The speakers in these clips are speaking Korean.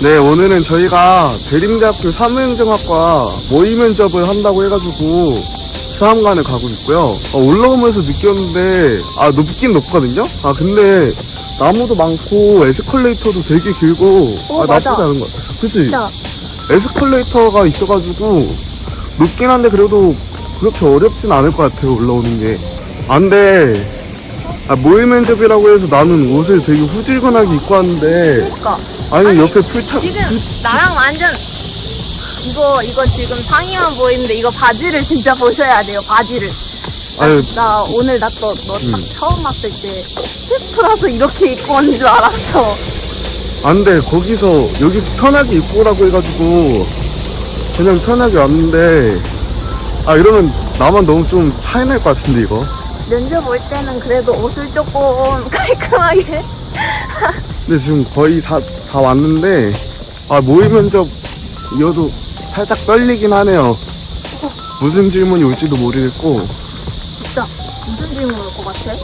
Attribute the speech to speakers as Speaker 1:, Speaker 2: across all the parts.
Speaker 1: 네, 오늘은 저희가 대림대학교 사무행정학과 모의 면접을 한다고 해가지고 수험관을 가고 있고요. 올라오면서 느꼈는데, 높긴 높거든요? 근데 나무도 많고 에스컬레이터도 되게 길고,
Speaker 2: 맞아.
Speaker 1: 나쁘지 않은 것 같아. 그치?
Speaker 2: 진짜.
Speaker 1: 에스컬레이터가 있어가지고 높긴 한데 그래도 그렇게 어렵진 않을 것 같아요, 올라오는 게. 근데 모의 면접이라고 해서 나는 옷을 되게 후질근하게 입고 왔는데,
Speaker 2: 그러니까.
Speaker 1: 아니 옆에 풀차
Speaker 2: 지금 나랑 완전 이거 지금 상의만 보이는데 이거 바지를 진짜 보셔야 돼요. 바지를. 나 오늘 너 딱 처음 봤을 때 셰프라서 이렇게 입고 온 줄 알았어.
Speaker 1: 근데 여기서 편하게 입고 오라고 해가지고 그냥 편하게 왔는데, 이러면 나만 너무 좀 차이날 것 같은데 이거.
Speaker 2: 면접 올 때는 그래도 옷을 조금 깔끔하게.
Speaker 1: 근데 지금 거의 다 왔는데, 모의 면접 이어도 살짝 떨리긴 하네요. 무슨 질문이 올지도 모르겠고.
Speaker 2: 진짜 무슨 질문 올 것 같아?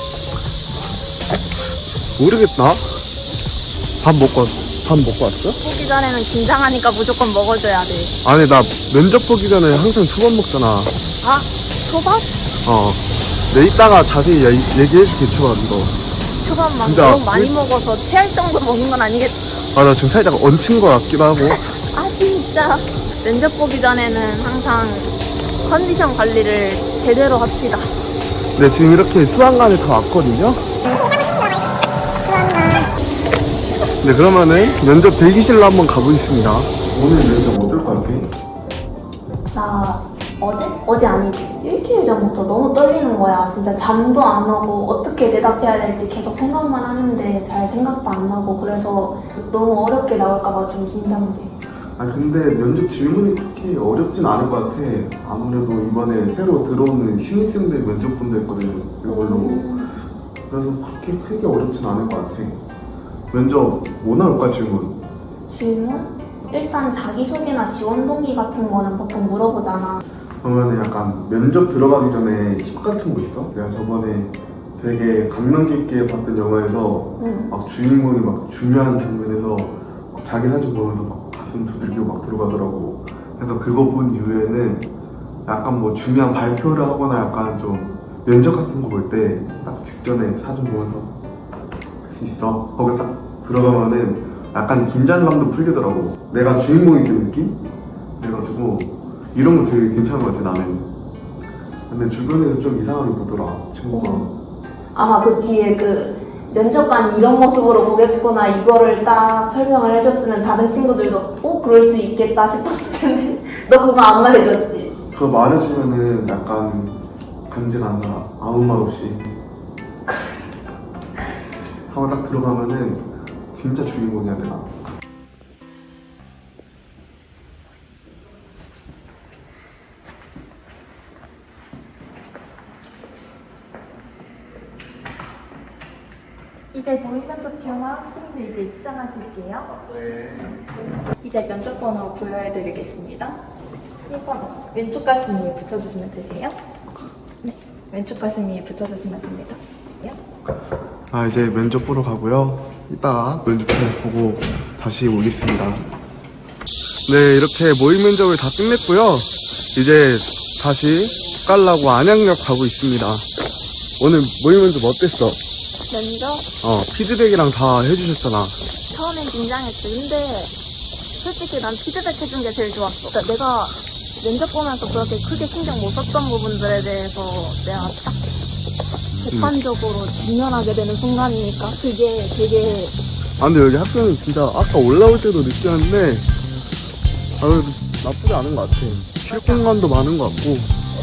Speaker 1: 모르겠다. 밥 먹고 왔어?
Speaker 2: 보기 전에는 긴장하니까 무조건 먹어줘야 돼.
Speaker 1: 아니, 나 면접 보기 전에 항상 초밥 먹잖아.
Speaker 2: 초밥?
Speaker 1: 내 이따가 자세히 얘기해줄게, 초밥 이거.
Speaker 2: 초밥만
Speaker 1: 진짜
Speaker 2: 너무 많이 먹어서 체할 정도 먹는 건 아니겠지?
Speaker 1: 나 지금 살짝 얹힌 것 같기도 하고.
Speaker 2: 진짜. 면접 보기 전에는 항상 컨디션 관리를 제대로 합시다.
Speaker 1: 네, 지금 이렇게 수학관에 다 왔거든요. 네, 그러면은 면접 대기실로 한번 가보겠습니다. 오늘 면접 어떨 것 같아?
Speaker 3: 나 어제 아니지. 일주일 전부터 너무 떨리는 거야. 진짜 잠도 안 오고 어떻게 대답해야 될지 계속 생각만 하는데 잘 생각도 안 나고 그래서 너무 어렵게 나올까봐 좀 긴장돼.
Speaker 1: 근데 면접 질문이 그렇게 어렵진 않을 것 같아. 아무래도 이번에 새로 들어오는 신입생들 면접 본다 했거든, 이걸로. 그래서 그렇게 크게 어렵진 않을 것 같아. 면접 뭐 나올까, 질문?
Speaker 3: 질문? 일단 자기소개나 지원 동기 같은 거는 보통 물어보잖아.
Speaker 1: 그러면 약간 면접 들어가기 전에 팁 같은 거 있어? 내가 저번에 되게 감명 깊게 봤던 영화에서 막 주인공이 막 중요한 장면에서 막 자기 사진 보면서 막 가슴 두들기고 막 들어가더라고. 그래서 그거 본 이후에는 약간 뭐 중요한 발표를 하거나 약간 좀 면접 같은 거 볼 때 딱 직전에 사진 보면서 할 수 있어. 거기 딱 들어가면은 약간 긴장감도 풀리더라고. 내가 주인공이 된 느낌? 그래가지고 이런 거 되게 괜찮은 것 같아, 나는. 근데 주변에서 좀 이상하게 보더라, 친구가.
Speaker 3: 아마 그 뒤에 그 면접관이 이런 모습으로 보겠구나 이거를 딱 설명을 해줬으면 다른 친구들도 그럴 수 있겠다 싶었을 텐데 너 그거 안 말해줬지?
Speaker 1: 그거 말해주면은 약간 간지가 안 나. 아무 말 없이 하고 딱 들어가면은 진짜 주인공이야, 내가.
Speaker 4: 이제 모의 면접 지원할 학생들 이제 입장하실게요.
Speaker 1: 네.
Speaker 4: 이제 면접 번호 부여해드리겠습니다. 1번 왼쪽 가슴 위에 붙여주시면 되세요. 네, 왼쪽 가슴 위에 붙여주시면 됩니다.
Speaker 1: 이제 면접 보러 가고요. 이따가 면접을 보고 다시 오겠습니다. 네, 이렇게 모의 면접을 다 끝냈고요. 이제 다시 가려고 안양역 가고 있습니다. 오늘 모의 면접 어땠어?
Speaker 2: 면접?
Speaker 1: 피드백이랑 다 해주셨잖아.
Speaker 2: 처음엔 긴장했지. 근데 솔직히 난 피드백 해준 게 제일 좋았어. 그러니까 내가 면접 보면서 그렇게 크게 신경 못 썼던 부분들에 대해서 내가 딱 객관적으로 직면하게 되는 순간이니까 그게 되게.
Speaker 1: 근데 여기 학교는 진짜 아까 올라올 때도 느꼈는데 그래도 나쁘지 않은 것 같아. 쉴 공간도 많은 것 같고.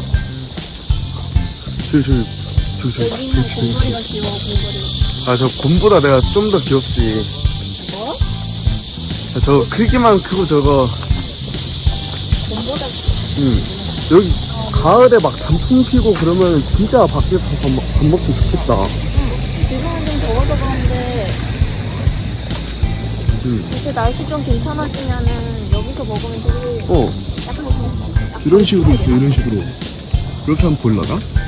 Speaker 2: 여기는 곰돌이가 귀여워, 곰돌이.
Speaker 1: 저 곰보다 내가 좀 더 귀엽지.
Speaker 2: 뭐?
Speaker 1: 저 크기만 크고 저거.
Speaker 2: 곰보다
Speaker 1: 여기 가을에 막 단풍 피고 그러면 진짜 밖에서 밥 먹기 좋겠다.
Speaker 2: 지금은 좀 더워서 그런데 이렇게 날씨 좀 괜찮아지면은 여기서 먹으면 되게 약간
Speaker 1: 이런 식으로 있어, 이런 식으로. 이렇게 하면 보일라나?